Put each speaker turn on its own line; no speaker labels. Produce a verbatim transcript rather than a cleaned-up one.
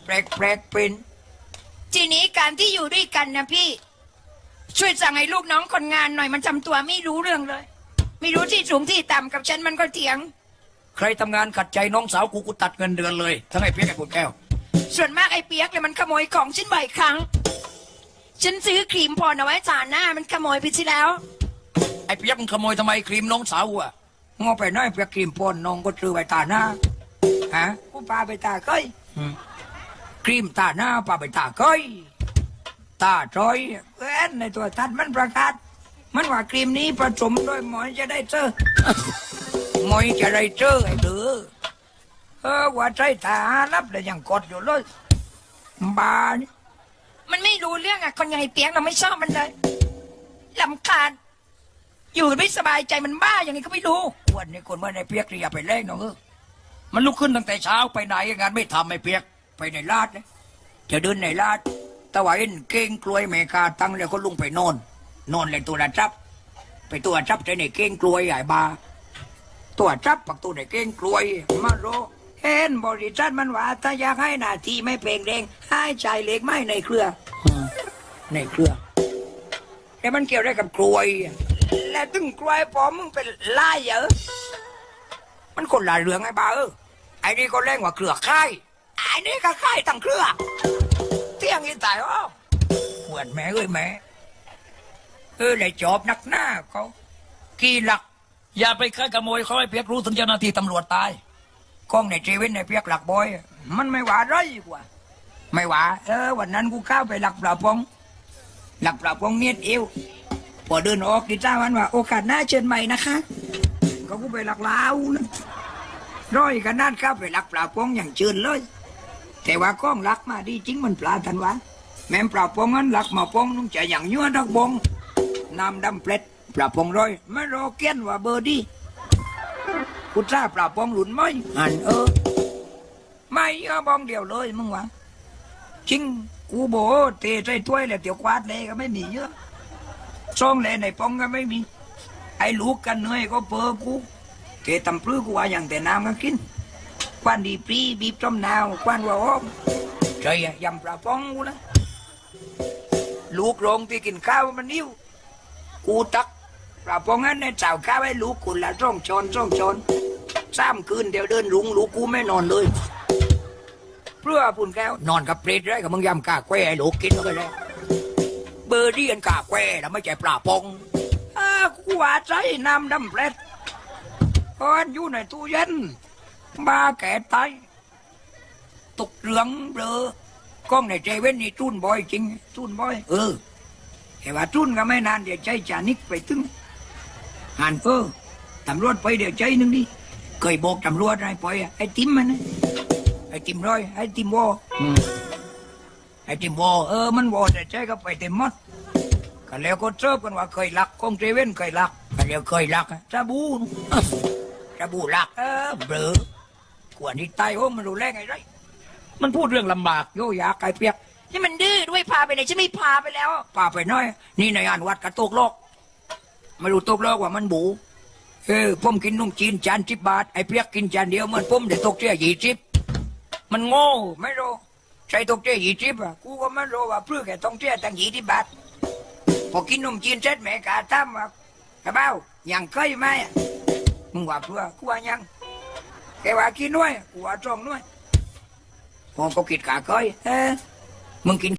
ปลกแปลกเป็นทีนี้การที่อยู่ด้วยกันนะพี่ช่วยสั่งให้ลูกน้องคนงานหน่อยมันทำตัวไม่รู้เรื่องเลยไม่รู้ที่สูงที่ต่ำกับฉันมันก็เถียงใครทำงานขัดใจน้องสาวกูกูตัดเงินเดือนเลยทั้งไอ้เปียกไอ้คุณแก้วส่วนมากไอ้เปียกเลยมันขโมยของฉันบ่อยครั้งฉันซื้อครีมพรเอาไว้ทาหน้ามันขโมยไปที่แล้วไอ้เปียกมันขโมยทำไมครีมน้องสาวอ่ะงอไปน้อยเปียกครีมพรน้องก็ซื้อไว้ทาหน้าฮะกูพาไปตาก้อยครีมตาหน้าพาไปตาก้อยตาจอยเอ็นในตัวทัดมันประกาศมันว่าครีมนี้ผสมด้วยหมอยจะได้เจอหมอยจะได้เจอไอ้เด้อเออว่าใจตาลับเลยยังกดอยู่เลยบาเนี่ยมันไม่รู้เรื่องอ่ะคนใหญ่เปียกเราไม่ชอบมันเลยลำคาญอยู่ไม่สบายใจมันบ้าอย่างนี้ก็ไม่รู้วันนี้คนเมื่อในเปียกอย่าไปเล่นน้องเออมันลุกขึ้นตั้งแต่เช้าไปไหนงานไม่ทำไม่เปียกไปในลาดเลยจะเดินในลาดตะวันเก่งกลวยเมกาตั้งแล้วก็ลุงไปนอนนอนเลยตัวละจับไปตัวจับใจในเก่งกลวยใหญ่บาตัวจับปักตัวในเก่งกลวยมาโรเห็นบริษัทมันว่าถ้าอยากให้หน้าที่ไม่เปล่งเด้งให้ใจเล็กไม่ในเครือในเครือแต่มันเกี่ยวได้กับกลวยและตึงกลวยพอมึงเป็นลายเยอะมันคนละเรื่องไอ้บ้าเออไอ้นี่ก็แรงกว่าเครือค่ายไอ้นี่ก็ค่ายตั้งเครือเที่ยงอีตายอ้อปวดแม่เอ้ยแม่เออเลยจอบนักหน้าเขากี่หลักอย่าไปค่ายขโมยเขาให้เพียกรู้ถึงเจ้าหน้าที่ตำรวจตายกล้องในชีวิตในเพียกหลักบอยมันไม่หวาไรกว่าไม่หวาเออวันนั้นกูเข้าไปหลักปลาปองหลักปลาปองเมียดเอวพอเดินออกดิจ้าวันว่าโอกาสหน้าเชิญใหม่นะคะก็กูไปหลักลาวนะร้อยกันนั่นเข้าไปหลักปลาปองอย่างเชิญเลยแต่ว่ากล้องหลักมาดีจริงมันปลาทันวะแม่ปลาปองนั้นหลักมาปองนุ่งจะอย่างยั่วดักบงน้ำดำเปล็ดปลาปองร้อยไม่รอเกี้ยนว่าเบอร์ดีกูจ้าปลาปองหลุนไหมอันเออไม่เออบองเดียวเลยมึงวะจริงกูโบเตะใจถ้วยแล้วเดี๋ยวกวาดเลยก็ไม่มีเยอะช่องเลยในปองก็ไม่มีไอ้ลูกกันเหนื่อยก็เปอกูเตะตำปลื้อกูว่าอย่างแต่น้ำก็กินควันดีปรีบีบจมนาวควันว่าอ้อมใจยำปลาปองกูนะลูกโรงที่กินข้าวมันนิ้วกูตักปลาปองนั้นในเจ้าข้าวให้ลูกกูละร่องชนร่องชนสามคืนเดี๋ยวเดินลุงลูกกูไม่นอนเลยเพื่อปุ่นแก้วนอนกับเปรตได้กับมึงยำกาแควไอ้ลูกกินก็เลยเบอร์ดี้กันกาแควแล้วไม่ใช่ปลาปองอ้ากูว่าใจน้ำดำเปรตตอนอยู่ในตู้เย็นบ้าแก่ตายตกเหลืองเบลอกล้องในเจเว่นนี่จุนบ่อยจริงจุนบ่อยเออแต่ว่าจุนก็ไม่นานเดี๋ยวใจจานิกไปตึงหันเออตำรวจไปเดี๋ยวใจนึงดิเคยบอกตำรวจให้ปล่อยไอ้ติมมันนะไอ้ติมร้อยไอ้ติมวอไอ้ติมวอเออมันวอแต่ใจก็ไปเต็มหมดก็แล้วก็เจอกันว่าเคยลักกล้องเจเว่นเคยลักก็แล้วเคยลักจะบูจะบูลักเออเบลอกว่านี้ตายโอ้มันรู้แรงไงไรมันพูดเรื่องลำบากโยยาไก่เปียกนี่มันดื้อด้วยพาไปไหนฉันไม่พาไปแล้วพาไปน้อยนี่ในงานวัดกระโตกโลกไม่รู้ตกโลกว่ามันบูเออผมกินนุ่มจีนจานสิบบาทไอ้เปียกกินจานเดียวมันผมเดี๋ยวตกเจ้ายี่สิบมันโง่ไม่รู้ใช่ตกเจ้ายี่สิบอ่ะกูก็ไม่รู้ว่าเพื่อแค่ต้องเจ้าตั้งยี่สิบบาทพอกินนุ่มจีนเสร็จแม่กาตั้มว่ากระเบ้ายังเคยไหมมึงว่าเพื่อกูว่ายังแกว่ากินด้วยกูว่าจ้องด้วยพอก็กินกาเคยเออมึงกิน